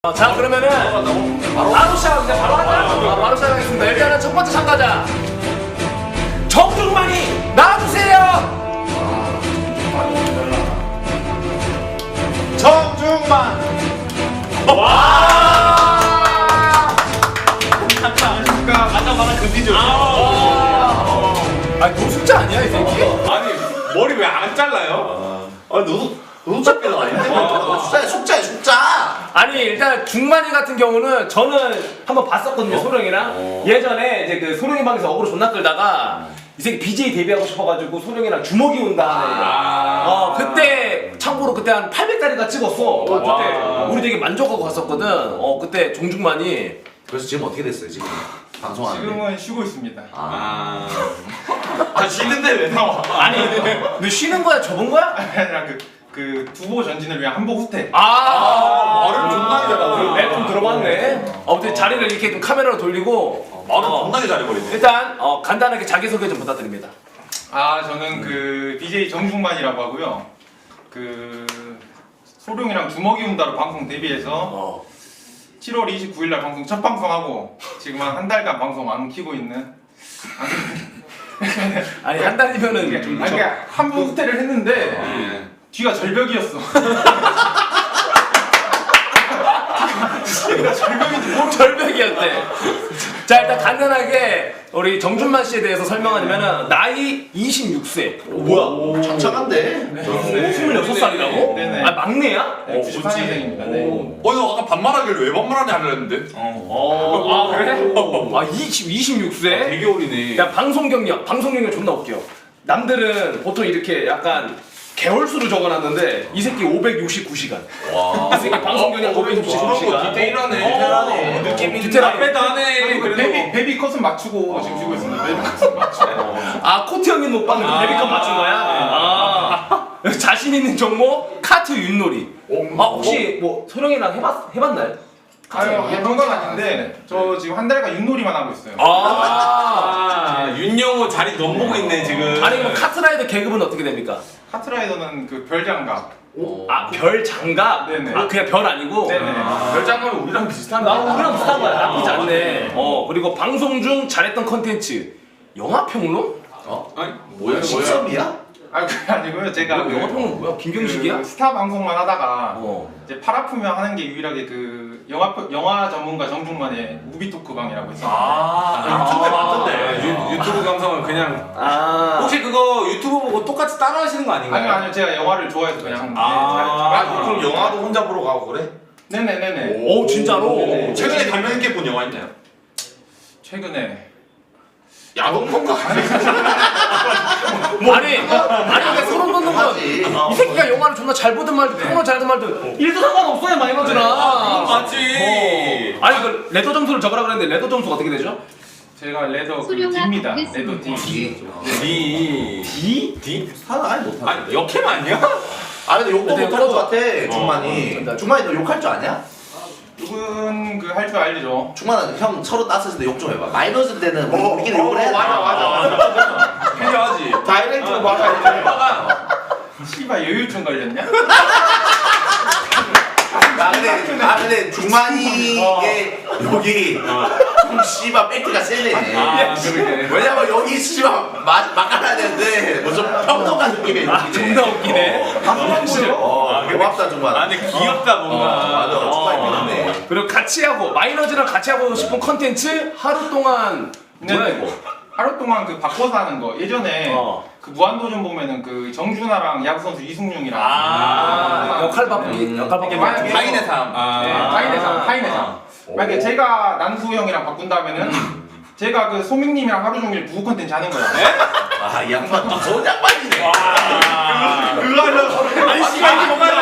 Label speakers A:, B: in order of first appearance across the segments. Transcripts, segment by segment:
A: 자 그러면은 바로 시작하겠습니다. 바로 하자. 바로 시작하겠습니다. 일단은 첫 번째 참가자 정중만이 나와주세요.
B: 정중만.
A: 와.
B: 아까 말한 그 비디오.
A: 아니 노숙자 아니야 이 새끼?
B: 아니 머리 왜 안 잘라요?
C: 노숙자끼리 아닌데? 숙자야 숙자.
A: 아니 일단 중만이 같은 경우는 저는 한번 봤었거든요. 소령이랑 예전에 이제 그 소령이 방에서 어그로 존나 끌다가 이 새끼 BJ 데뷔하고 싶어가지고 소령이랑 주먹이 온다 하네. 그때 참고로 그때 한 800짜리가 찍었어. 그때 우리 되게 만족하고 갔었거든. 그때 정중만이.
C: 그래서 지금 어떻게 됐어요 지금? 방송하는데.
D: 지금은 쉬고 있습니다.
B: 쉬는데 왜 나와?
A: 아니 너 쉬는 거야 접은 거야?
D: 아니라 그 두보 전진을 위한 한보 후퇴.
B: 말을 존나게 잘하고.
A: 좀 들어봤네. 아무튼 자리를 이렇게 좀 카메라로 돌리고
B: 말을 존나게 잘해버리네.
A: 일단 간단하게 자기소개 좀 부탁드립니다.
D: 저는 그 DJ 정중만이라고 하고요. 그 소룡이랑 주먹이 운다로 방송 데뷔해서 7월 29일 날 방송 첫 방송하고 지금 한 달간 방송 안 키고 있는.
A: 아니 한 달이면은 좀
D: 그러니까 한보 후퇴를 했는데 뒤가 절벽이었어.
A: 절벽이었대. 자 일단 간단하게 우리 정준만 씨에 대해서 설명하자면은 나이 26세.
C: 뭐야? 창창한데?
A: 26살이라고?
D: 네네.
A: 아 막내야?
D: 94년생입니다. 네.
B: 너 아까 반말하길래 왜 반말하냐 하려는데?
A: 그래? 26세?
B: 되게 어리네.
A: 야 방송 경력 존나 웃겨. 남들은 보통 이렇게 약간 개월수로 적어놨는데 이 새끼 569시간. 이 새끼 방송 경력 569시간.
B: 디테일하네.
A: 느낌이
B: 디테일 빼도 하네.
D: 그리고 베비 컷은 맞추고 지금 쉬고 있습니다. 베비 컷은 맞추고.
A: 코트 형님 못 봤는데 데뷔컷 맞춘 거야? 자신 있는 종목 카트 윷놀이. 혹시 뭐 소령이랑 해봤나요?
D: 해본 건 아닌데 저 지금 한 달간 윷놀이만 하고 있어요.
B: 윤영호 자리 넘보고 있네 지금.
A: 아니 그럼 카트라이더 계급은 어떻게 됩니까?
D: 카트라이더는 그 별장갑.
A: 별 장갑?
D: 네네.
A: 그냥 별 아니고?
D: 네네.
B: 별장갑은 우리랑 비슷한
A: 우리랑 비슷한 거야. 나쁘지 않네. 그리고 방송 중 잘했던 컨텐츠 영화평론?
B: 아니
C: 뭐야? 시점이야?
D: 그게 아니고요. 제가
A: 영화평론 뭐야? 김경식이야?
D: 그 스타 방송만 하다가
A: 어.
D: 이제 팔 아프면 하는 게 유일하게 그 영화 전문가 정중만의 무비 토크방이라고 있어요.
B: 유튜브에 봤던데. 유튜브 감성은 그냥. 혹시 그거 유튜브 보고 똑같이 따라하시는 거 아닌가요?
D: 아니요 제가 영화를 좋아해서 그냥.
B: 그럼 영화도 혼자 보러 가고 그래?
D: 네네네네.
A: 오 진짜로?
D: 네네.
B: 최근에 감명 있게 본 영화 있나요?
D: 최근에
B: 야동pon가?
A: 아니 근데 소름 돋는 건 이 새끼가 영화를 존나 잘 보든 말든 평론 잘하든 말든 일도 상관없어요 마이너즈랑.
B: 맞지.
A: 아니 그 레더 점수를 적으라 그랬는데 레더 점수가 어떻게 되죠?
D: 제가 레더 그
E: 수룡아
D: D입니다.
E: 보겠습니다.
D: 레더 D.
B: D?
A: D?
C: 사나 아니 못하네.
B: 아니 역캠 아니야?
C: 근데 욕도
A: 근데
C: 못할 것 같아.
A: 전달.
C: 중만이. 중만이 너 욕할 줄 아냐?
D: 이분 그 할 줄 알죠.
C: 중만은 형 서로 따스을 때 욕 좀 해봐. 마이너스 때는 우리끼리 욕을 해.
B: 맞아. 필요하지.
C: 다이렉트로 말하지.
D: 씨발 여유증 걸렸냐?
C: 근데 중만이의 여기 좀 씨발 팩트가 세네.
B: 그러게.
C: 왜냐면 여기 씨발 막아야 되는데 뭐 좀 평등한 느낌의 욕이네.
A: 존나 웃기네.
C: 고맙다 중만.
B: 근데 귀엽다 뭔가.
C: 맞아. 중만이 믿네.
A: 그리고 같이 하고 마이너즈랑 같이 하고 싶은 컨텐츠 하루 동안 뭐야
D: 네.
A: 이거?
D: 하루 동안 그 바꿔서 하는 거. 예전에 그 무한도전 보면은 그 정준하랑 야구 선수 이승용이랑
A: 역할 바꾸기
D: 이게 만약에
B: 타인의 삶.
D: 타인의 삶. 만약에 제가 난수 형이랑 바꾼다면은 제가 그 소민님이랑 하루 종일 부부 컨텐츠 하는 거야.
C: 이 양반 또 좋은 양반이네.
B: 그거 하려고. 아니 씨발 이게 뭔가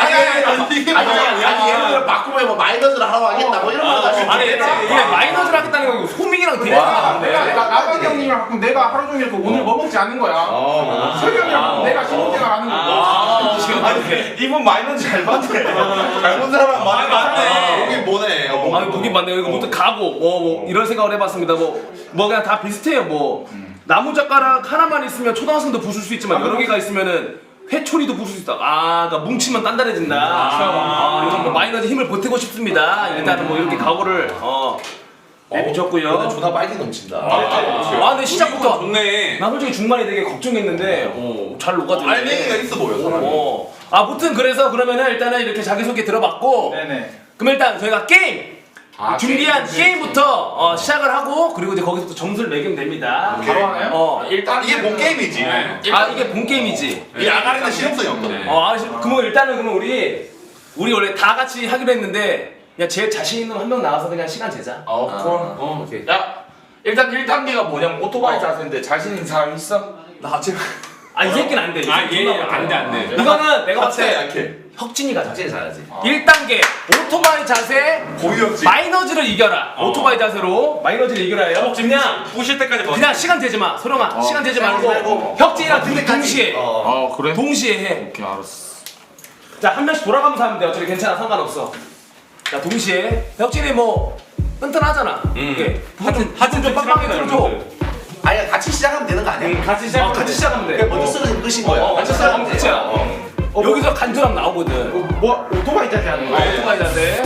C: 아니 예를 들어 바꾸면 뭐 마이너스를 하라고 하겠다 뭐 이런 거 가지고.
A: 아니 이게 마이너즈를 하겠다는 거 소민이랑 대화하는데.
D: 나방 형님이랑 바꾸면 내가 하루 종일 그 오늘 뭐 먹지 않는 거야. 석이 형이랑 바꾸면 내가 신혼생활 하는 거야.
B: 아니 이분 마이너스 잘 봤네. 잘본 사람은 많이 봤네. 여기 뭐네.
A: 아니 보긴 맞네요. 이거 뭐또 가고 뭐 이런 생각을 해봤습니다. 뭐 그냥 다 비슷해요. 뭐 나무 젓가락 하나만 있으면 초등학생도 부술 수 있지만 여러 개가 있으면은 회초리도 부술 수 있다. 아, 그러니까 뭉치면 단단해진다. 이건 뭐 마이너즈 힘을 보태고 싶습니다. 일단은 뭐 이렇게 각오를 해주셨고요.
C: 근데 존나 빨리 넘친다.
A: 근데 시작부터
B: 좋네.
A: 나 솔직히 중반이 되게 걱정했는데 잘 녹아들네.
C: 알맹이가 있어 보여 사람이.
A: 아무튼 그래서 그러면은 일단은 이렇게 자기소개 들어봤고
D: 네네.
A: 그럼 일단 저희가 게임 준비한 게임부터 시작을 하고 그리고 이제 거기서 또 점수를 매기면 됩니다.
D: 바로 하나요?
C: 일단 이게 본 게임이지.
A: 이게 본 게임이지.
C: 이 아가리는 실험성이 없거든.
A: 그러면 일단은 그러면 우리 원래 다 같이 하기로 했는데 그냥 제일 자신 있는 한 명 나와서 그냥 시간 재자.
C: 오케이.
E: 야 일단 1단계가 뭐냐면 오토바이 자세인데 자신 있는 사람 있어?
C: 나 지금
A: 이 새끼는 안 돼.
B: 안 돼.
A: 이거는 내가 봤을 때
C: 약해.
A: 혁진이가 자신 잘하지. 1단계 오토바이 자세
C: 고유혁진.
A: 마이너즈를 이겨라. 오토바이 자세로 마이너즈를 이겨라요. 그냥
B: 부실 때까지
A: 그냥 시간 재지 마. 소령아 시간 재지 말고 혁진이랑 동시에
E: 그래?
A: 동시에 해.
E: 오케이 알았어.
A: 자, 한 명씩 돌아가면서 하면 돼. 어차피 괜찮아. 상관없어. 자, 동시에. 혁진이 뭐 튼튼하잖아. 이게 하여튼 좀 빡빡하게 들어줘.
C: 아니 같이 시작하면 되는 거 아니야?
A: 같이 시작하면 돼.
C: 먼저 쓰러지면 끝인 거야.
A: 같이 시작하면 끝이야. 여기서 간절함 나오거든.
C: 뭐 오토바이 자세 하는 거야?
A: 오토바이 자세.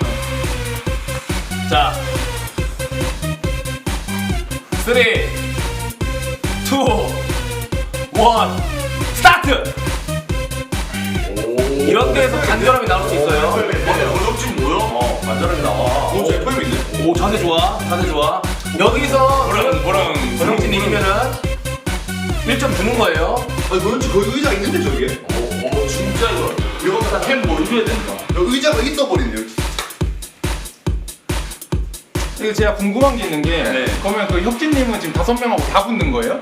A: 자. 3, 2, 1, 스타트! 이런 데에서 간절함이 나올 수 있어요.
C: 고유혁진 뭐야?
A: 간절함이 나와.
C: 제 FM 있네.
A: 오, 자세 좋아. 자세 좋아. 여기서 전영진 이기면은 1점 주는 거예요.
C: 아니 고유혁진 거기 의자 있는데 저기에.
E: 진짜 이거
C: 이거
E: 캠 보여줘야 된다.
C: 의자가 있어버리네.
D: 이거 제가 궁금한 게 있는 게 그러면 그 혁진님은 지금 5명하고 다 붙는 거예요?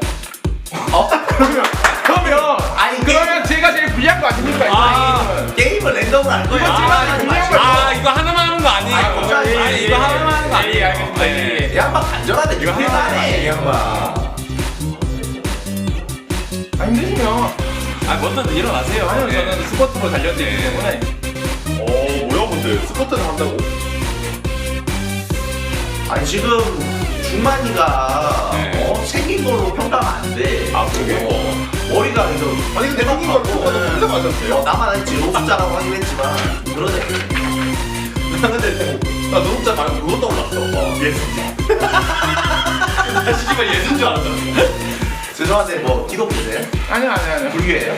D: 그러면
C: 아니
D: 그러면 제가 제일 불리한 거 아닙니까?
C: 게임을 랜덤으로 할 거야.
B: 이거 하나만 하는 거 아니에요.
C: 아니,
B: 이거 하나만 하는 거 아니에요.
A: 알겠습니다.
C: 이 양반 간절하네. 이거 하네 이 양반.
D: 힘드시면
A: 먼저 일어나세요.
D: 아니요 저는 스쿼트로 달려드리기 때문에
C: 뭐야 근데 스쿼트를 한다고? 아니 지금 중만이가 생긴 걸로 평가하면 안 돼. 그러게? 머리가 좀 아니 근데 생긴 걸로 평가도 혼자 맞았어요. 나만 했지 노숙자라고 하긴 했지만 그러네. 나 근데 나 노숙자 말고 그거 떠올랐어. 예술자. 나 시집을 예술인 줄 알았잖아. 죄송한데 뭐 기독교세요?
D: 아니요
C: 불교예요?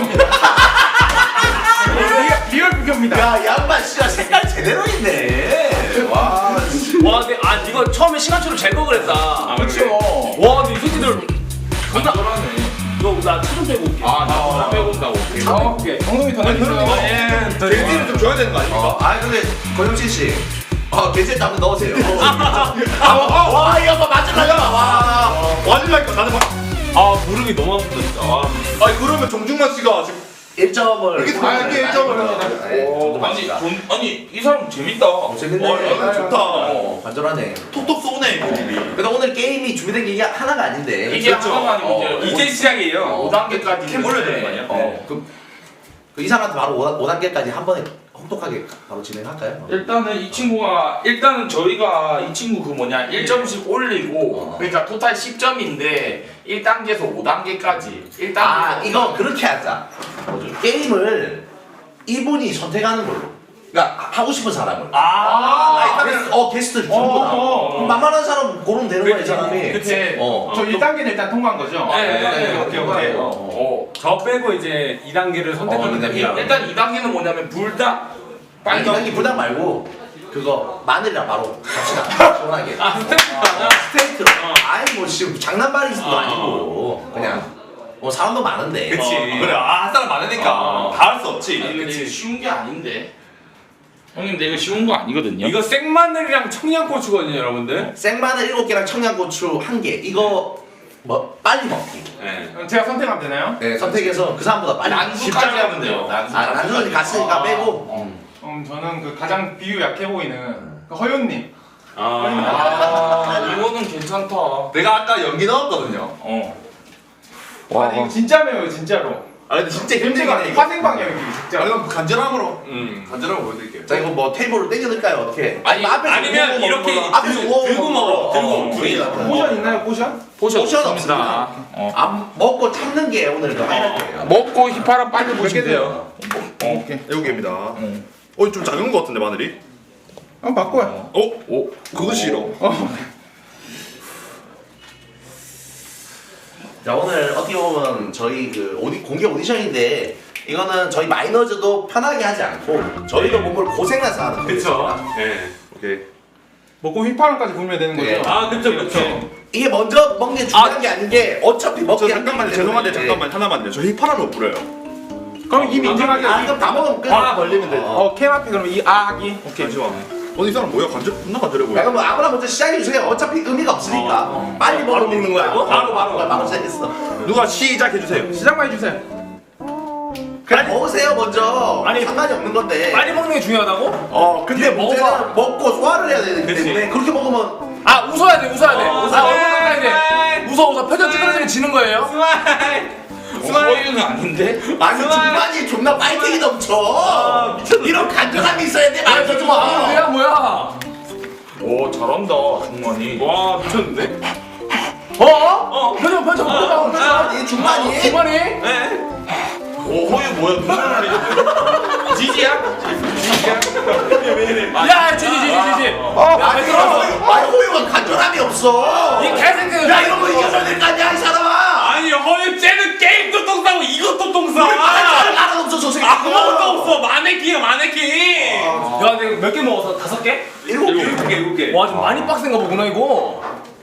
D: 리얼 불교입니다.
C: 야 양반 씨가 색깔 제대로 있네. 와.
A: 와, 근데 이거 처음에 시간초를 제거를 했다.
D: 그렇죠.
A: 와, 근데 이 새끼들 존나 나 차 좀 빼고 올게.
E: 나 빼고 온다고.
A: 오케이.
D: 정성이 더 내주세요.
C: 게스트를 좀 줘야 되는 거 아닙니까? 아 근데 고영진 씨. 게스트 한번 넣으세요. 와, 이 양반 맞으려고. 와. 맞으려니까 나는 막.
B: 무릎이 너무 아프다 진짜.
C: 아니 그러면 정중만 씨가 지금 1점을 이게 이게 1점을
E: 아니 이 사람 재밌다.
C: 재밌네.
E: 좋다.
C: 간절하네. 톡톡 쏘네 고집이. 그러니까 오늘 게임이 준비된 게 이게 하나가 아닌데.
E: 이게 하나가 아니고
B: 이제 시작이에요.
E: 5단계까지
C: 캠 올려야 되는 거 아니야? 이 사람한테 바로 5단계까지 한 번에 혹독하게 바로 진행할까요?
E: 일단은 저희가 이 친구 그 뭐냐 1점씩 올리고 그러니까 토탈 10점인데 1단계에서 5단계까지 1단계
C: 이거 그렇게 하자. 게임을 이분이 선택하는 걸로. 그러니까 하고 싶은 사람을. 게스트 전부 다. 만만한 사람 고르면 되는 거야, 이 사람이.
E: 그치.
D: 저 1단계는 일단 통과한 거죠?
B: 네.
D: 오케이.
B: 저 빼고 이제 2단계를 선택하면 됩니다.
E: 일단 2단계는 뭐냐면 불닭
C: 아니, 이단계 불닭 말고 그거 마늘이랑 바로 갑시다. 시원하게. 스테이크로. 아니 뭐 지금 장난발이도 아니고 그냥 사람도 많은데.
B: 그래.
C: 사람 많으니까 다 할 수 없지.
E: 그치. 쉬운 게 아닌데 형님 근데 이거 쉬운 거 아니거든요.
B: 이거 생마늘이랑 청양고추거든요, 여러분들.
C: 생마늘 7개랑 청양고추 1개. 이거 뭐 빨리 먹기.
B: 네.
D: 그럼 제가 선택하면 되나요?
C: 네, 선택해서 그 사람보다 빨리.
E: 난수까지 하면 돼요.
C: 난수는 갔으니까 빼고.
D: 저는 그 가장 비유 약해 보이는 그 허윤님.
E: 이거는 괜찮다.
C: 내가 아까 연기 넣었거든요.
D: 아니 이거 진짜 매워요 진짜로.
C: 아 근데 진짜 힘들긴
D: 냄새가
C: 해 이거.
D: 화생 방향이 진짜.
B: 이건 간절함으로 간절함으로 보여드릴게요.
C: 자 이거 뭐 테이블로 땡겨둘까요 어떻게?
F: 아니면 이렇게
C: 앞에서
F: 들고 먹어. 들고
C: 둘이
D: 포션 있나요 포션?
E: 포션
C: 포션
E: 없습니다.
C: 안 먹고 참는 게 오늘 그 하이라이트예요.
E: 먹고 휘파람 빨리 보시면 돼요.
D: 오케이.
G: 7개입니다. 좀 작은 것 같은데 마늘이?
D: 한번 바꿔요.
G: 그거 싫어.
C: 자 오늘 어떻게 보면 저희 그 공개 오디션인데 이거는 저희 마이너즈도 편하게 하지 않고 저희도 몸을 고생해서 하는
F: 그쵸.
C: 거죠.
F: 네.
G: 오케이.
D: 먹고 휘파람까지 불면 되는
C: 네.
D: 거죠.
F: 아 그쵸 그쵸.
C: 이게 먼저 먹는 게 중요한 게 아닌 게 어차피 먹기
G: 잠깐만요. 죄송한데 잠깐만 하나만요. 저 휘파람을 못 불어요.
D: 그럼 입 인정하게.
C: 아 그럼 다 먹으면 끝.
G: 걸리면 돼.
D: 캠 앞에 그럼 이 하기.
G: 오케이. 잠시만. 이 사람 뭐야? 존나 간절해
C: 야
G: 보여.
C: 그럼 아무나 먼저 시작해 주세요. 어차피 의미가 없으니까. 빨리
G: 바로 먹는 거야, 이거?
C: 바로 시작했어.
G: 누가 시작해 주세요.
D: 시작만 해주세요.
C: 그냥 먹으세요 먼저.
A: 아니,
C: 상관이 없는 건데.
A: 빨리 먹는 게 중요하다고?
C: 근데 문제는 먹고 소화를 해야 되기 때문에 그렇게 먹으면
A: 아 웃어야 돼 웃어야 돼. 웃어야 돼. 웃어 표정 찌그러지면 지는 거예요.
E: 허유는 아닌데?
C: 아니 중반이 존나 파이팅이 넘쳐. 이런 간절함이 있어야 돼.
A: 아 이거 좀 뭐야 뭐야.
E: 오 잘한다 중만이.
G: 와 미쳤는데?
A: 표정.
C: 이 중반이.
A: 중반이?
E: 오 허유 뭐야 눈물 흘리죠? 지지야?
A: 야 지지.
C: 아니 호유가 간절함이 없어.
A: 이 개새끼.
C: 야 이런 거 이겨줘야 될 거 아니야 이 사람아.
F: 아니 허유 쟤는 게임도 똥 싸고 이것도 똥 싸.
C: 나는 없어 저 새끼.
F: 아무것도 없어. 마네킹이야 마네킹.
A: 야 내가 몇 개 먹었어? 5개?
F: 7개.
A: 와 좀 많이 빡센가 보구나 이거.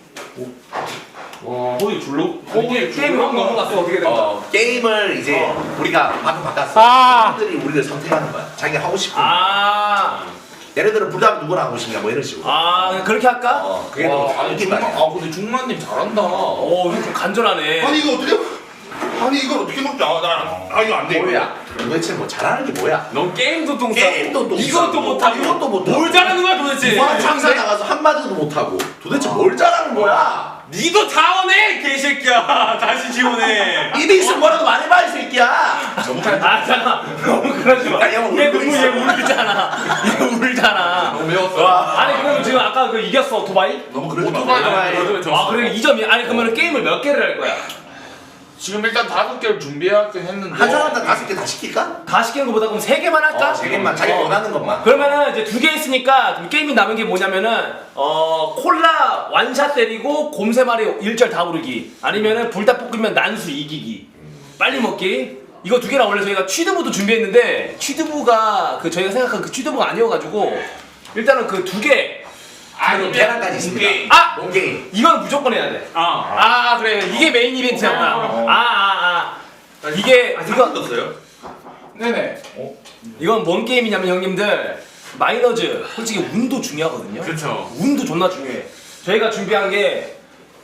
E: 와 허유 줄로?
A: 게임 막 넘어갔어 어떻게 된 거야?
C: 게임을 이제 우리가 바꿨어. 사람들이 우리를 선택하는 거야. 자기가 하고 싶은. 예를 들어 부담 누구랑 하고 싶냐 뭐 이런 식으로.
A: 그렇게 할까?
C: 그게
E: 와,
C: 더
E: 아니
C: 웃긴
E: 중만
C: 말이야.
E: 근데 중만님 잘한다.
A: 이거 좀 간절하네.
G: 아니 이거 어떻게? 아니 이걸 어떻게 먹지? 이거 안 돼. 이거.
C: 뭐야? 도대체 뭐 잘하는 게 뭐야?
F: 넌 게임도 똥 싸고
C: 게임도 또
F: 이것도 못하고
C: 이것도 못하고
F: 뭘 잘하는 거야 도대체?
C: 무한 장사 나가서 한마디도 못하고 도대체 뭘 잘하는 거야?
F: 니도 자원해 개새끼야. 다시 지원해.
C: 입에 있으면 뭐라도 말해봐 이 새끼야.
A: 잠깐 너무 그러지 마.
C: 야,
A: 얘 울잖아. 얘 울잖아.
E: 너무 매웠어.
A: 아니 그럼 지금 아까 그 이겼어 오토바이?
C: 너무 그러지 마.
A: 아 그래 2점이. 아니 그러면 게임을 몇 개를 할 거야?
E: 지금 일단 5개를 준비하긴 했는데
C: 한 사람당 5개 다 시킬까?
A: 다 시키는 것보다 그럼 3개만 할까?
C: 3개만 자기 원하는 것만.
A: 그러면은 이제 2개 있으니까 그럼 게임이 남은 게 뭐냐면은 콜라 완샷 때리고 곰세 마리 1절 다 부르기 아니면은 불닭볶음면 난수 이기기 빨리 먹기. 이거 2개랑 원래 저희가 취두부도 준비했는데 취두부가 그 저희가 생각한 그 취두부가 아니어가지고 일단은 그 2개.
C: 그리고 계란까지 있습니다.
E: 게임.
C: 롱게임.
A: 이건 무조건 해야 돼. 그래 이게 메인 이벤트였다. 이게 이거
G: 떴어요?
D: 네네.
A: 이건 뭔 게임이냐면 형님들 마이너즈 솔직히 운도 중요하거든요.
F: 그쵸.
A: 운도 존나 중요해. 저희가 준비한 게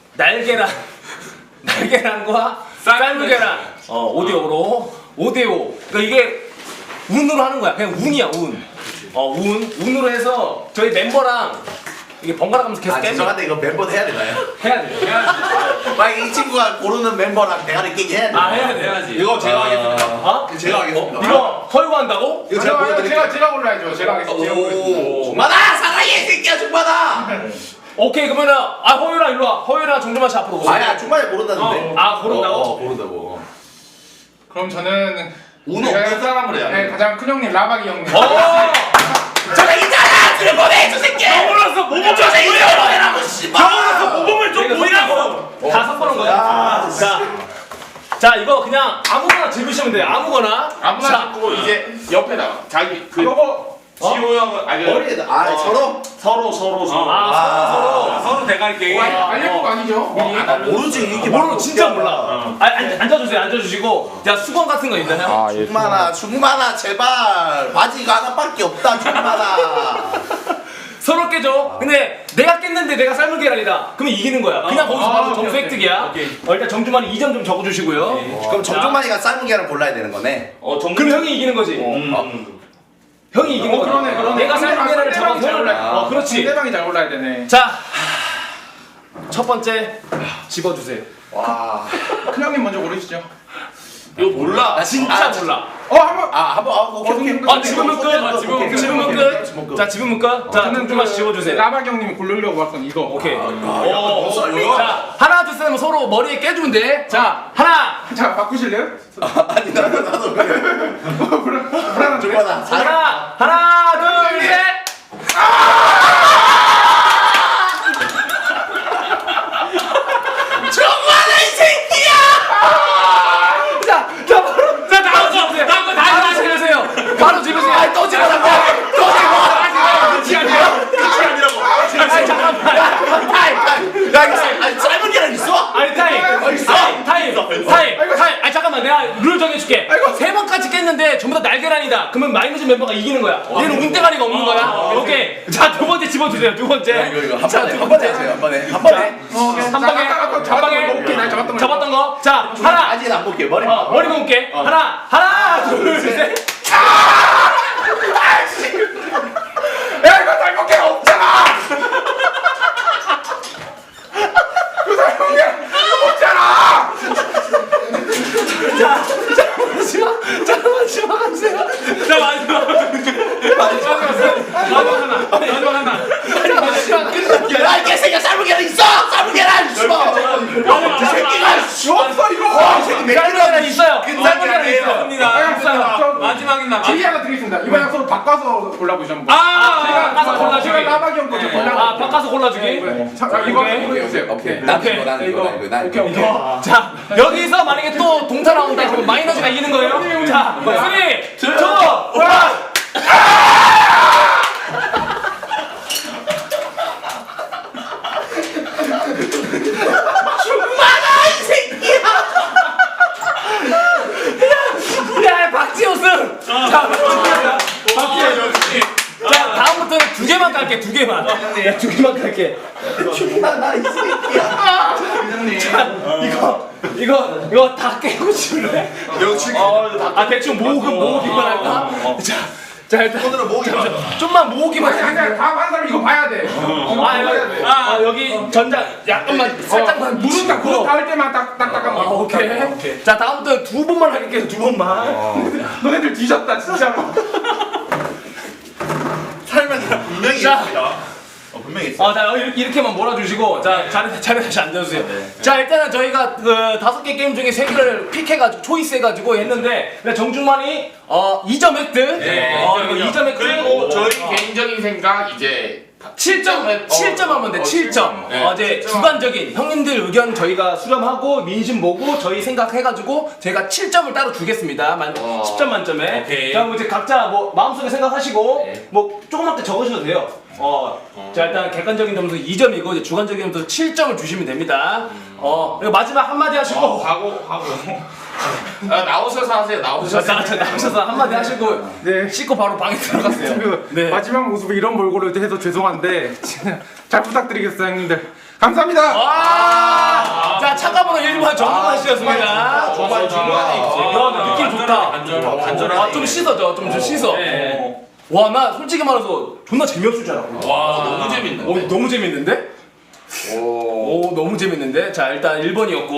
A: 날계란과 쌀무계란 5대5로 5대5. 그러니까 이게 운으로 하는 거야. 그냥 운이야 운. 운으로 해서 저희 멤버랑 이게 번갈아 가면서 계속 깨면
C: 죄송한데 이거 멤버 해야 되나요?
A: 해야 돼.
C: 만약 이 친구가 고르는 멤버랑 대가리 끼기 해야 돼.
A: 해야 돼.
F: 해야지.
B: 이거 제가 하겠습니다.
C: 제가 하겠습니다.
A: 이거 허유가 한다고?
C: 이거 제가 보여드릴게요.
D: 제가 골라야죠. 제가 하겠습니다.
C: 중마다 사랑해 이 새끼야 중마다.
A: 오케이 그러면은 허유랑 일로 와. 허유랑 정준만 씨 앞으로 오세요.
C: 아야 중마에 모른다는데.
A: 고른다고?
C: 고른다고.
D: 그럼 저는
B: 운 없는 사람을 해야 돼.
D: 네, 가장 큰 형님 라박이 형님.
C: 저거 있잖아! 술 보내! 저 새끼!
F: 병원에서 모범을
C: 저 새끼 술 보내라고 씨발!
F: 병원에서 모범을 좀 보이라고.
A: 다 섞어놓은 거야. 자 이거 그냥 아무거나 집으시면 돼요. 아무거나.
E: 아무나 찍고 이제 옆에다가 자기 그 지호 형은
C: 머리에다 서로?
A: 서로.
F: 서로 대갈 게임.
D: 알릴 거 아니죠?
C: 모르지 이게
A: 모르 진짜 몰라. 앉아주세요. 앉아주시고. 자 수건 같은 거 있나요?
C: 중마나 제발 바지가 하나밖에 없다 중마나.
A: 서로 깨줘. 근데 내가 깼는데 내가 삶은 계란이다. 그러면 이기는 거야. 그냥 거기서 바로 점수
D: 오케이,
A: 획득이야. 일단 정주만이 2점 좀 적어주시고요.
C: 그럼 정중만이가 삶은 계란 골라야 되는 거네.
A: 그럼 형이 이기는 거지. 형이 이기는 거지.
D: 그러네.
A: 내가 삶은 계란을 잡아서
D: 상대방이 잘
A: 형을.
D: 골라야
A: 그렇지.
D: 상대방이 잘 골라야 되네.
A: 자, 첫 번째 집어주세요.
C: 와.
D: 큰 형님 먼저 고르시죠.
E: 이거 몰라.
A: 나 진짜 몰라.
C: 오케이.
A: 지금은 끝. 지금은 끝. 자, 지금은 끝. 자, 정준만 씨 집어주세요.
D: 라박 형님이 고르려고 했던 이거.
A: 오케이.
C: 이거?
A: 자, 하나, 둘, 셋 하면 서로 머리에 깨주면 돼. 자, 하나.
D: 자 바꾸실래요?
C: 아니 나도 그래.
D: 불안한데?
C: 조만아.
A: 하나, 둘, 셋.
C: 정말 이 새끼야!
A: 자, 바로. 자, 다음 거. 다음 거 바로 집으세요. 바로 집으세요. 아니, 또 집어라. 또 집어.
F: 끝이 아니라고.
A: 아니, 잠깐만.
C: 야 이거 아니 삶은 계란 있어?
A: 아니 타임! 아니 잠깐만 내가 룰 정해줄게. 세 번까지 깼는데 전부 다 날계란이다. 그러면 마이너스 멤버가 이기는 거야. 얘는 운대가리가 없는 거야. 오케이. 자, 두 번째 집어주세요. 두 번째.
C: 이거 한 번에 하세요. 한 번에. 한 번에.
A: 한 방에.
D: 오케이 나 잡았던 거.
A: 잡았던 거. 자, 하나.
C: 아직 안 볼게. 머리.
A: 머리 놓을게. 하나, 둘, 셋.
D: 야 이거 잘못 게 없잖아. 이거 잘못 게 없잖아.
A: 잠깐만 집어가세요. 자, 마지막 하나.
C: 야이 개새끼야 삶은 계란 있어. 삶은 계란 있어. 이 새끼가
D: 없어 이거.
C: 이 새끼 몇
A: 삶은 계란 있어요. 삶은 계란 있어요.
F: 없습니다. 마지막인 나.
D: 제의 하나 드리겠습니다. 이번에 서로 바꿔서 골라보시면.
A: 제가 바꿔서 골라주기.
D: 제가 라박 형 거죠. 골라.
A: 바꿔서 골라주기.
D: 자 이거 해주세요.
C: 오케이. 난 이거.
A: 자, 여기서 만약에 또 동타 나온다 그러면 마이너스가 이기는 거예요. 자, 3, 2, 1. 야, 박지호 승! 자, 자, 다음부터는 두 개만 깔게, 두 개만. 야, 두 개만 깔게.
C: 나이 새끼야.
A: 이거 다 깨고 싶네. 대충 모으기만 할까? 자, 일단
C: 오늘은 모으기 봐.
A: 좀만 모으기만 해.
D: 아니 다음 한 사람 이거 봐야 돼.
A: 여기 전장 약간만 살짝만
D: 무릎 딱 무릎 닿을 때만 딱딱딱한 거.
A: 오케이. 자, 다음부터 두 번만 할게요. 두 번만.
D: 너네들 뒤졌다 진짜로.
C: 삶은 계란 분명히
A: 자.
C: 있습니다. 분명히 있어.
A: 자, 이렇게만 몰아주시고, 자, 자리 다시 앉아주세요. 자, 일단은 저희가 그 5개 게임 중에 3개를 픽해가지고, 초이스해가지고 했는데, 정중만이 2점 획득. 이거 2점 획득.
E: 그리고 저희 개인적인 생각 이제
A: 7점 하면 돼, 7점. 이제 주관적인 형님들 의견 저희가 수렴하고, 민심 보고, 저희 생각해가지고, 저희가 7점을 따로 주겠습니다. 10점 만점에.
F: 오케이.
A: 자, 이제 각자 뭐, 마음속에 생각하시고, 뭐, 조그맣게 적으셔도 돼요. 자, 일단 객관적인 점수 2점이고, 이제 주관적인 점수 7점을 주시면 됩니다. 그리고 마지막 한마디 하시고,
E: 나오셔서 하세요. 나오셔서.
A: 나오셔서 한마디 하시고, 씻고 바로 방에 들어가세요. 네.
D: 마지막 모습에 이런 몰골을 해서 죄송한데 잘 부탁드리겠습니다 형님들. 감사합니다.
A: 자, 참가번호 1번 정국만 씨였습니다.
E: 정말 중간에 있지.
A: 느낌 좋다.
F: 간절하네.
A: 좀 씻어줘, 좀 씻어. 와, 나 솔직히 말해서 존나 재미없을 줄 알았거든.
E: 와, 너무 재밌는데.
A: 너무 재밌는데? 오, 너무 재밌는데? 자, 일단 1번이었고.